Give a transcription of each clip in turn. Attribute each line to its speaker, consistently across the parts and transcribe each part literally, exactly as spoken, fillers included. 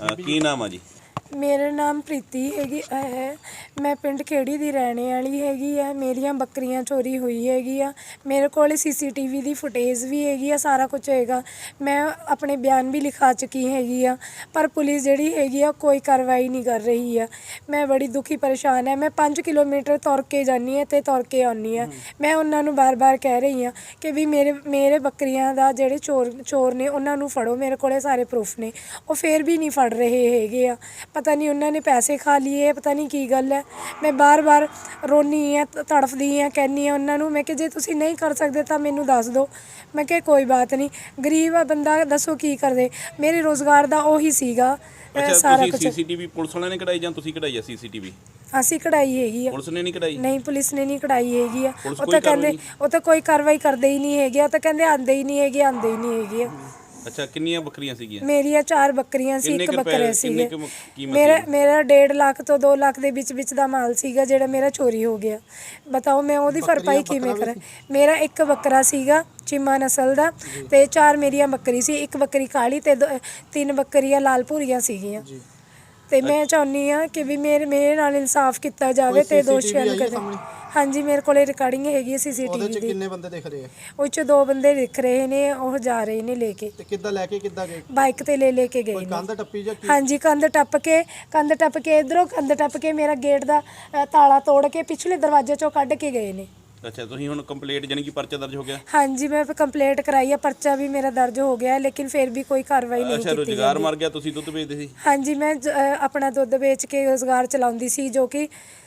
Speaker 1: ਕੀ ਨਾਮ ਆ ਜੀ?
Speaker 2: मेरा नाम प्रीति हैगी है। मैं पिंड खेड़ी दी रहने वाली हैगी है। मेरियां बकरियां चोरी हुई हैगी आ। मेरे कोल सीसीटीवी दी फुटेज भी हैगी आ, सारा कुछ हैगा। मैं अपने बयान भी लिखा चुकी हैगी आ, पर पुलिस जिहड़ी हैगी आ कोई कार्रवाई नहीं कर रही है। मैं बड़ी दुखी परेशान है। मैं पाँच किलोमीटर तुर के जानी है ते तुर के आनी है। मैं उन्हां नूं बार बार कह रही हाँ कि भी मेरे मेरे बकरियां दा जिहड़े चोर चोर ने उन्हां नूं फड़ो, मेरे कोले सारे प्रूफ ने। वो फिर भी नहीं फड़ रहे हैगे आ। पता नहीं उन्होंने पैसे खा लिए, पता नहीं की गल है। मैं बार बार रोनी है, तड़फदी है, कहनी है उन्होंने मैं कि जे तुसी नहीं कर सकते तो मैनू दस दो। मैं कि कोई बात नहीं, गरीब है बंदा, दसो की कर दे। मेरे रोज़गार का ਉਹੀ ਸੀਗਾ ਸਾਰਾ ਕੁਝ।
Speaker 1: ਸੀਸੀਟੀਵੀ ਪੁਲਿਸ ਵਾਲਿਆਂ ਨੇ ਕਢਾਈ ਜਾਂ ਤੁਸੀਂ ਕਢਾਈ ਆ ਸੀਸੀਟੀਵੀ?
Speaker 2: ਅਸੀਂ ਕਢਾਈ ਹੈਗੀ ਆ।
Speaker 1: ਪੁਲਿਸ ਨੇ ਨਹੀਂ ਕਢਾਈ?
Speaker 2: ਨਹੀਂ, ਪੁਲਿਸ ਨੇ ਨਹੀਂ ਕਢਾਈ ਹੈਗੀ ਆ। ਉਹ ਤਾਂ ਕਹਿੰਦੇ ਉਹ ਤਾਂ ਕੋਈ ਕਾਰਵਾਈ ਕਰਦੇ ਹੀ ਨਹੀਂ ਹੈਗੇ। ਉਹ ਤਾਂ ਕਹਿੰਦੇ ਆਂਦੇ ਹੀ ਨਹੀਂ ਹੈਗੇ, ਆਂਦੇ ਹੀ ਨਹੀਂ ਹੈਗੇ।
Speaker 1: ਅੱਛਾ, ਕਿੰਨੀਆਂ ਬੱਕਰੀਆਂ ਸੀਗੀਆਂ?
Speaker 2: ਮੇਰੀਆਂ ਚਾਰ ਬੱਕਰੀਆਂ ਸੀ, ਇੱਕ ਬੱਕਰੇ ਸੀਗੇ। ਮੇਰਾ ਮੇਰਾ ਡੇਢ ਲੱਖ ਤੋਂ ਦੋ ਲੱਖ ਦੇ ਵਿੱਚ ਵਿੱਚ ਦਾ ਮਾਲ ਸੀਗਾ ਜਿਹੜਾ ਮੇਰਾ ਚੋਰੀ ਹੋ ਗਿਆ। ਬਤਾਓ ਮੈਂ ਉਹਦੀ ਭਰਪਾਈ ਕਿਵੇਂ ਕਰਾਂ? ਮੇਰਾ ਇੱਕ ਬੱਕਰਾ ਸੀਗਾ ਚੀਮਾ ਨਸਲ ਦਾ ਤੇ ਚਾਰ ਮੇਰੀਆਂ ਬੱਕਰੀ ਸੀ, ਇੱਕ ਬੱਕਰੀ ਕਾਲੀ ਤੇ ਤਿੰਨ ਬੱਕਰੀਆਂ ਲਾਲ ਭੂਰੀਆਂ ਸੀਗੀਆਂ। ਤੇ ਮੈਂ ਚਾਹੁੰਦੀ ਹਾਂ ਕਿ ਵੀ ਮੇਰੇ ਮੇਰੇ ਨਾਲ ਇਨਸਾਫ ਕੀਤਾ ਜਾਵੇ ਤੇ ਦੋਸ਼ੀਆਂ ਨੂੰ ਕਦੇ। ਹਾਂਜੀ, ਮੇਰੇ ਕੋਲੇ ਰਿਕਾਰਡਿੰਗ ਹੈਗੀ ਸੀਸੀਟੀਵੀ ਦੀ।
Speaker 3: ਕਿੰਨੇ ਬੰਦੇ ਦਿਖ ਰਹੇ ਆ? ਉਹ
Speaker 2: ਚ ਦੋ ਬੰਦੇ ਦਿਖ ਰਹੇ ਨੇ, ਉਹ ਜਾ ਰਹੇ ਨੇ ਲੈ ਕੇ।
Speaker 3: ਤੇ ਕਿੱਦਾਂ ਲੈ ਕੇ ਕਿੱਦਾਂ ਗਏ?
Speaker 2: ਬਾਈਕ ਤੇ ਲੈ ਲੈ ਕੇ ਗਏ ਨੇ।
Speaker 3: ਕੰਧ ਟੱਪੀ ਜਾਂ ਕੀ?
Speaker 2: ਹਾਂਜੀ, ਕੰਧ ਟੱਪ ਕੇ ਕੰਧ ਟੱਪ ਕੇ ਇਧਰੋਂ ਕੰਧ ਟੱਪ ਕੇ ਮੇਰਾ ਗੇਟ ਦਾ ਤਾਲਾ ਤੋੜ ਕੇ ਪਿਛਲੇ ਦਰਵਾਜ਼ੇ ਚੋਂ ਕੱਢ ਕੇ ਗਏ ਨੇ।
Speaker 1: ਅੱਛਾ, ਤੁਸੀਂ ਹੁਣ ਕੰਪਲੀਟ ਜਾਨੀ ਕਿ ਪਰਚਾ ਦਰਜ ਹੋ ਗਿਆ?
Speaker 2: ਹਾਂਜੀ, ਮੈਂ ਕੰਪਲੀਟ ਕਰਾਈ ਆ, ਪਰਚਾ ਵੀ ਮੇਰਾ ਦਰਜ ਹੋ ਗਿਆ, ਲੇਕਿਨ ਫਿਰ ਵੀ ਕੋਈ ਕਾਰਵਾਈ ਨਹੀਂ ਕੀਤੀ।
Speaker 1: ਅੱਛਾ, ਰੁਜ਼ਗਾਰ ਮਰ ਗਿਆ, ਤੁਸੀਂ ਦੁੱਧ ਵੇਚਦੇ ਸੀ?
Speaker 2: ਹਾਂਜੀ, ਮੈਂ ਆਪਣਾ ਦੁੱਧ ਵੇਚ ਕੇ ਰੁਜ਼ਗਾਰ ਚਲਾਉਂਦੀ ਸੀ, ਜੋ ਕਿ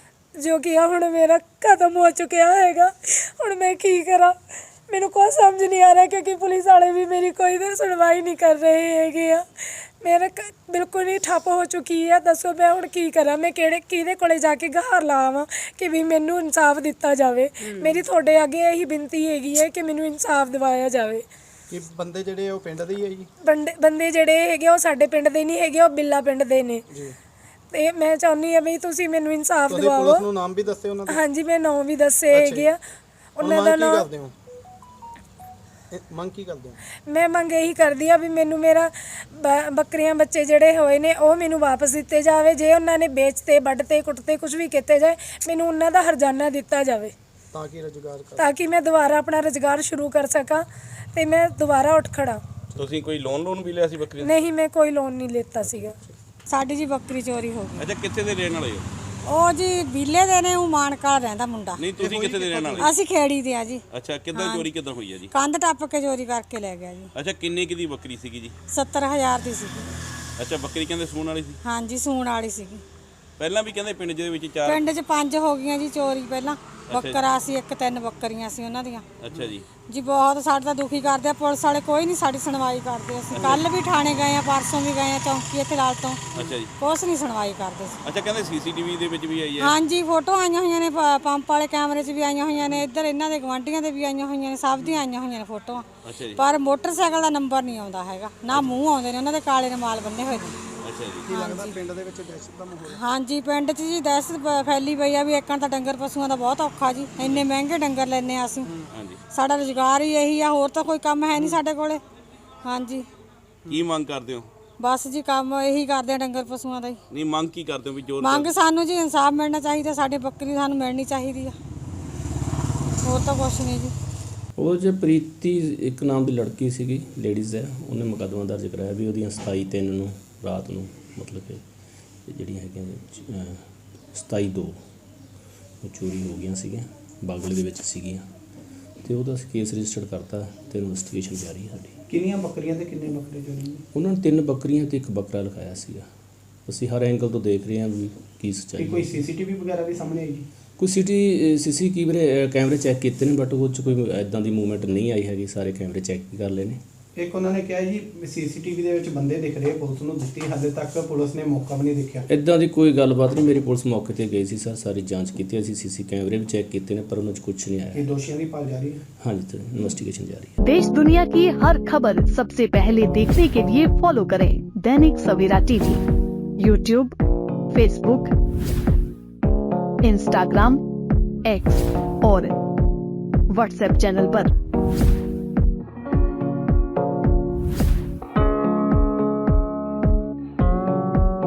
Speaker 2: ਜੋ ਕਿ ਹੁਣ ਮੇਰਾ ਖਤਮ ਹੋ ਚੁੱਕਿਆ ਹੈਗਾ। ਹੁਣ ਮੈਂ ਕੀ ਕਰਾਂ, ਮੈਨੂੰ ਕੋਈ ਸਮਝ ਨਹੀਂ ਆ ਰਿਹਾ, ਕਿਉਂਕਿ ਪੁਲਿਸ ਵਾਲੇ ਵੀ ਮੇਰੀ ਕੋਈ ਸੁਣਵਾਈ ਨਹੀਂ ਕਰ ਰਹੇ ਹੈਗੇ ਆ। ਮੇਰਾ ਬਿਲਕੁਲ ਹੀ ਠੱਪ ਹੋ ਚੁੱਕੀ ਹੈ। ਦੱਸੋ ਮੈਂ ਹੁਣ ਕੀ ਕਰਾਂ? ਮੈਂ ਕਿਹੜੇ ਕਿਹਦੇ ਕੋਲੇ ਜਾ ਕੇ ਗਹਾਰ ਲਾਵਾਂ ਕਿ ਵੀ ਮੈਨੂੰ ਇਨਸਾਫ ਦਿੱਤਾ ਜਾਵੇ? ਮੇਰੀ ਤੁਹਾਡੇ ਅੱਗੇ ਇਹੀ ਬੇਨਤੀ ਹੈਗੀ ਹੈ ਕਿ ਮੈਨੂੰ ਇਨਸਾਫ ਦਿਵਾਇਆ ਜਾਵੇ।
Speaker 3: ਕਿ ਬੰਦੇ ਜਿਹੜੇ ਉਹ ਪਿੰਡ ਦੇ ਹੀ ਹੈ ਜੀ? ਬੰਦੇ
Speaker 2: ਬੰਦੇ ਜਿਹੜੇ ਹੈਗੇ ਉਹ ਸਾਡੇ ਪਿੰਡ ਦੇ ਨਹੀਂ ਹੈਗੇ, ਉਹ ਬਿੱਲਾ ਪਿੰਡ ਦੇ ਨੇ ਜੀ। ਤੇ ਮੈਂ ਚਾਹੁੰਦੀ ਹਾਂ ਵੀ ਤੁਸੀਂ ਮੈਨੂੰ ਇਨਸਾਫ ਦਿਵਾਓ।
Speaker 3: ਪੁਲਿਸ ਨੂੰ ਨਾਮ ਵੀ ਦੱਸੇ ਉਹਨਾਂ ਦੇ? ਹਾਂਜੀ,
Speaker 2: ਮੈਂ ਨਾਮ ਵੀ ਦੱਸੇ ਹੈਗੇ ਆ ਉਹਨਾਂ ਦਾ। ਨਾਮ
Speaker 3: ਮੰਗ ਕੀ ਕਰਦੇ ਹੋ?
Speaker 2: ਮੈਂ ਮੰਗ ਇਹੀ ਕਰਦੀ ਆ ਵੀ ਮੈਨੂੰ ਮੇਰਾ ਬੱਕਰੀਆਂ ਬੱਚੇ ਜਿਹੜੇ ਹੋਏ ਨੇ ਉਹ ਮੈਨੂੰ ਵਾਪਸ ਦਿੱਤੇ ਜਾਵੇ। ਜੇ ਉਹਨਾਂ ਨੇ ਵੇਚਤੇ, ਵੱਢਤੇ, ਕੁੱਟਤੇ, ਕੁਝ ਵੀ ਕੀਤੇ ਜਾਏ, ਮੈਨੂੰ ਉਹਨਾਂ ਦਾ ਹਰਜਾਨਾ ਦਿੱਤਾ ਜਾਵੇ
Speaker 3: ਤਾਂ ਕਿ ਰੁਜ਼ਗਾਰ
Speaker 2: ਤਾਂ ਕਿ ਮੈਂ ਦੁਬਾਰਾ ਆਪਣਾ ਰੁਜ਼ਗਾਰ ਸ਼ੁਰੂ ਕਰ ਸਕਾਂ ਤੇ ਮੈਂ ਦੁਬਾਰਾ ਉੱਠ ਖੜਾ।
Speaker 1: ਤੁਸੀਂ ਕੋਈ ਲੋਨ ਲੋਨ ਵੀ ਲਿਆ ਸੀ ਬੱਕਰੀ?
Speaker 2: ਨਹੀਂ, ਮੈਂ ਕੋਈ ਲੋਨ ਨਹੀਂ ਲਿੱਤਾ ਸੀਗਾ।
Speaker 4: ਸਾਡੀ ਜੀ ਬੱਕਰੀ ਚੋਰੀ ਹੋ ਗਈ।
Speaker 1: ਅੱਛਾ, ਕਿੱਥੇ ਦੇ ਰਹਿਣ ਵਾਲੇ ਹੋ?
Speaker 4: ਉਹ ਜੀ ਬੀਲੇ ਦੇ ਨੇ, ਉਹ ਮਾਨਕਾਲ ਰਹਿੰਦਾ ਮੁੰਡਾ।
Speaker 1: ਨਹੀਂ, ਤੁਸੀਂ ਕਿੱਥੇ ਦੇ ਰਹਿਣ ਵਾਲੇ?
Speaker 4: ਅਸੀਂ ਖੇੜੀ ਦੇ ਆ ਜੀ।
Speaker 1: ਅੱਛਾ, ਕਿੱਦਾਂ ਚੋਰੀ ਕਿੱਦਾਂ ਹੋਈ ਹੈ ਜੀ?
Speaker 4: ਕੰਧ ਟੱਪ ਕੇ ਚੋਰੀ ਕਰਕੇ ਲੈ ਗਿਆ ਜੀ।
Speaker 1: ਅੱਛਾ, ਕਿੰਨੇ ਕੀ ਦੀ ਬੱਕਰੀ ਸੀਗੀ ਜੀ?
Speaker 4: ਸੱਤਰ ਹਜ਼ਾਰ ਦੀ ਸੀਗੀ।
Speaker 1: ਅੱਛਾ, ਬੱਕਰੀ ਕਹਿੰਦੇ ਸੂਣ ਵਾਲੀ ਸੀ?
Speaker 4: ਹਾਂਜੀ, ਸੂਣ ਵਾਲੀ ਸੀਗੀ।
Speaker 1: ਪਹਿਲਾਂ ਵੀ ਕਹਿੰਦੇ ਪਿੰਡ ਦੇ ਵਿੱਚ ਚਾਰ
Speaker 4: ਪਿੰਡ 'ਚ ਪੰਜ ਹੋ ਗਈਆਂ ਜੀ ਚੋਰੀ। ਪਹਿਲਾਂ ਬੱਕਰਾ ਸੀ ਇੱਕ, ਤਿੰਨ ਬੱਕਰੀਆਂ ਸੀ ਉਹਨਾਂ ਦੀਆਂ।
Speaker 1: ਅੱਛਾ ਜੀ
Speaker 4: ਜੀ, ਬਹੁਤ ਸਾਡੇ ਤਾਂ ਦੁਖੀ ਕਰਦੇ ਆ। ਪੁਲਿਸ ਵਾਲੇ ਕੋਈ ਨਹੀਂ ਸਾਡੀ ਸੁਣਵਾਈ ਕਰਦੇ। ਅਸੀਂ ਕੱਲ ਵੀ ਥਾਣੇ ਗਏ ਆ, ਪਰਸੋਂ ਵੀ ਗਏ ਆ ਚੌਂਕੀ ਇੱਥੇ ਲਾਲ ਤੋਂ।
Speaker 1: ਅੱਛਾ ਜੀ,
Speaker 4: ਕੁਛ ਨਹੀਂ ਸੁਣਵਾਈ ਕਰਦੇ ਸੀ।
Speaker 1: ਅੱਛਾ, ਕਹਿੰਦੇ ਸੀਸੀਟੀਵੀ ਦੇ ਵਿੱਚ ਵੀ ਆਈ ਹੈ?
Speaker 4: ਹਾਂਜੀ, ਫੋਟੋ ਆਈਆਂ ਹੋਈਆਂ ਨੇ, ਪੰਪ ਵਾਲੇ ਕੈਮਰੇ 'ਚ ਵੀ ਆਈਆਂ ਹੋਈਆਂ ਨੇ, ਇੱਧਰ ਇਹਨਾਂ ਦੇ ਗਵਾਂਢੀਆਂ ਦੇ ਵੀ ਆਈਆਂ ਹੋਈਆਂ ਨੇ, ਸਭ ਦੀਆਂ ਆਈਆਂ ਹੋਈਆਂ ਨੇ ਫੋਟੋਆਂ।
Speaker 1: ਅੱਛਾ ਜੀ,
Speaker 4: ਪਰ ਮੋਟਰਸਾਈਕਲ ਦਾ ਨੰਬਰ ਨਹੀਂ ਆਉਂਦਾ ਹੈਗਾ, ਨਾ ਮੂੰਹ ਆਉਂਦੇ ਨੇ ਉਹਨਾਂ ਦੇ, ਕਾਲੇ ਰੁਮਾਲ ਬੰਨੇ ਹੋਏ ਨੇ।
Speaker 1: ਅੱਛਾ ਜੀ,
Speaker 3: ਕੀ ਲੱਗਦਾ ਪਿੰਡ ਦੇ ਵਿੱਚ ਦਹਿਸ਼ਤ ਦਾ ਮਾਹੌਲ?
Speaker 4: ਹਾਂਜੀ, ਪਿੰਡ 'ਚ ਜੀ ਦਹਿਸ਼ਤ ਫੈਲੀ ਪਈ ਆ ਵੀ ਇੱਕਣ ਤਾਂ ਡੰਗਰ ਪਸ਼ੂਆਂ ਦਾ ਬਹੁਤ ਔਖਾ ਜੀ। ਇੰਨੇ ਮਹਿੰਗੇ ਡੰਗਰ ਲੈਂਦੇ ਆ ਅਸੀਂ।
Speaker 1: ਹਾਂਜੀ,
Speaker 4: ਸਾਡਾ ਰੁਜ਼ਗਾਰ ਹੀ ਇਹੀ ਆ, ਹੋਰ ਤਾਂ ਕੋਈ ਕੰਮ ਹੈ ਨਹੀਂ ਸਾਡੇ ਕੋਲੇ। ਹਾਂਜੀ,
Speaker 1: ਕੀ ਮੰਗ ਕਰਦੇ ਹੋ?
Speaker 4: ਬਸ ਜੀ ਕੰਮ ਇਹੀ ਕਰਦੇ ਆ ਡੰਗਰ ਪਸ਼ੂਆਂ ਦਾ ਹੀ।
Speaker 1: ਨਹੀਂ, ਮੰਗ ਕੀ ਕਰਦੇ ਹੋ ਵੀ ਜੋ
Speaker 4: ਮੰਗ ਸਾਨੂੰ ਜੀ ਇਨਸਾਫ ਮਿਲਣਾ ਚਾਹੀਦਾ, ਸਾਡੀ ਬੱਕਰੀ ਸਾਨੂੰ ਮਿਲਣੀ ਚਾਹੀਦੀ ਆ, ਹੋਰ ਤਾਂ ਕੁਛ ਨਹੀਂ ਜੀ।
Speaker 5: ਉਹ ਜੇ ਪ੍ਰੀਤੀ ਇੱਕ ਨਾਮ ਦੀ ਲੜਕੀ ਸੀਗੀ, ਲੇਡੀਜ਼ ਹੈ, ਉਹਨੇ ਮੁਕੱਦਮਾ ਦਰਜ ਕਰਾਇਆ ਵੀ ਉਹਦੀਆਂ ਸਤਾਈ ਤਿੰਨ ਨੂੰ ਰਾਤ ਨੂੰ, ਮਤਲਬ ਕਿ ਜਿਹੜੀਆਂ ਹੈਗੀਆਂ ਸਤਾਈ ਦੋ ਉਹ ਚੋਰੀ ਹੋ ਗਈਆਂ ਸੀਗੀਆਂ, ਬਾਗਲੇ ਦੇ ਵਿੱਚ ਸੀਗੀਆਂ, ਅਤੇ ਉਹਦਾ ਅਸੀਂ ਕੇਸ ਰਜਿਸਟਰਡ ਕਰਤਾ ਅਤੇ ਇਨਵੈਸਟੀਗੇਸ਼ਨ ਜਾਰੀ ਹੈ ਸਾਡੀ।
Speaker 3: ਕਿੰਨੀਆਂ ਬੱਕਰੀਆਂ ਤੇ ਕਿੰਨੇ ਬੱਕਰੇ ਚੋਰੀ?
Speaker 5: ਉਹਨਾਂ ਨੇ ਤਿੰਨ ਬੱਕਰੀਆਂ ਅਤੇ ਇੱਕ ਬੱਕਰਾ ਲਿਖਾਇਆ ਸੀਗਾ। ਅਸੀਂ ਹਰ ਐਂਗਲ ਤੋਂ ਦੇਖ ਰਹੇ ਹਾਂ ਵੀ ਕੀ ਸੱਚਾਈ।
Speaker 3: ਕੋਈ ਸੀਸੀਟੀਵੀ ਵਗੈਰਾ ਵੀ ਸਾਹਮਣੇ ਆਈ ਜੀ?
Speaker 5: ਕੋਈ ਸਿਟੀ ਸੀਸੀ ਕੈਮਰੇ ਕੈਮਰੇ ਚੈੱਕ ਕੀਤੇ ਨੇ, ਬਟ ਉਹ 'ਚ ਕੋਈ ਇੱਦਾਂ ਦੀ ਮੂਵਮੈਂਟ ਨਹੀਂ ਆਈ ਹੈਗੀ। ਸਾਰੇ ਕੈਮਰੇ ਚੈੱਕ ਵੀ ਕਰ ਲਏ ਨੇ।
Speaker 3: ਇੱਕ ਉਹਨਾਂ ਨੇ ਕਿਹਾ ਜੀ ਸੀਸੀਟੀਵੀ ਦੇ ਵਿੱਚ ਬੰਦੇ ਦਿਖ ਰਹੇ, ਪੁਲਿਸ ਨੂੰ ਦਿੱਤੀ, ਹਾਲੇ ਤੱਕ ਪੁਲਿਸ ਨੇ ਮੌਕਾ ਵੀ ਨਹੀਂ ਦੇਖਿਆ।
Speaker 5: ਇੱਦਾਂ ਦੀ ਕੋਈ ਗੱਲਬਾਤ ਨਹੀਂ। ਮੇਰੀ ਪੁਲਿਸ ਮੌਕੇ 'ਤੇ ਗਈ ਸੀ ਸਰ, ਸਾਰੀ ਜਾਂਚ ਕੀਤੀ, ਅਸੀਂ ਸੀਸੀ ਕੈਮਰੇ ਵੀ ਚੈੱਕ ਕੀਤੇ ਨੇ, ਪਰ ਉਹਨਾਂ 'ਚ ਕੁਝ ਨਹੀਂ ਆਇਆ।
Speaker 3: ਇਹ ਦੋਸ਼ੀਆਂ ਦੀ ਭਾਲ ਜਾਰੀ ਹੈ?
Speaker 5: ਹਾਂਜੀ ਸਰ, इन्वेस्टिगेशन जारी है।
Speaker 6: देश दुनिया की हर खबर सबसे पहले देखने के लिए फॉलो करें Dainik Savera TV, YouTube, Facebook, Instagram, X और व्हाट्सएप चैनल पर।